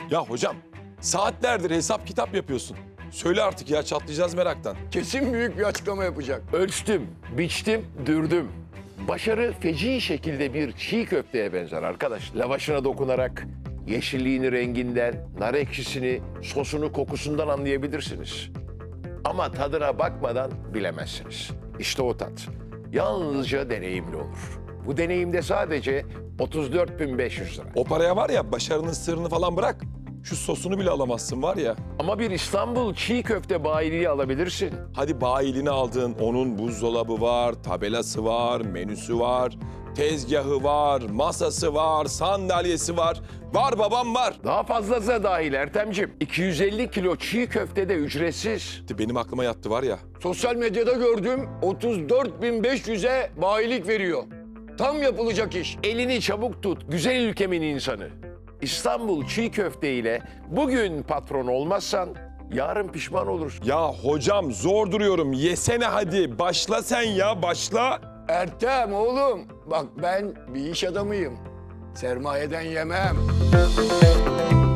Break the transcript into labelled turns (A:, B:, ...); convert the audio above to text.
A: Ya hocam saatlerdir hesap kitap yapıyorsun. Söyle artık ya, çatlayacağız meraktan.
B: Kesin büyük bir açıklama yapacak.
C: Ölçtüm, biçtim, dürdüm. Başarı feci şekilde bir çiğ köfteye benzer arkadaş. Lavaşına dokunarak yeşilliğini renginden, nar ekşisini, sosunu kokusundan anlayabilirsiniz. Ama tadına bakmadan bilemezsiniz. İşte o tat. Yalnızca deneyimli olur. Bu deneyimde sadece 34.500 lira.
A: O paraya var ya, başarının sırrını falan bırak. Şu sosunu bile alamazsın var ya.
C: Ama bir İstanbul çiğ köfte bayiliği alabilirsin.
A: Hadi bayilini aldın, onun buzdolabı var, tabelası var, menüsü var, tezgahı var, masası var, sandalyesi var. Var babam var.
C: Daha fazlası da dahil Ertem'cim. 250 kilo çiğ köfte de ücretsiz.
A: Benim aklıma yattı var ya.
B: Sosyal medyada gördüm 34.500'e bayilik veriyor. Tam yapılacak iş.
C: Elini çabuk tut, güzel ülkemin insanı. İstanbul çiğ köfte ile bugün patron olmazsan yarın pişman olursun.
A: Ya hocam zor duruyorum, yesene hadi. Başla sen ya, başla.
B: Ertem oğlum bak ben bir iş adamıyım. Sermayeden yemem.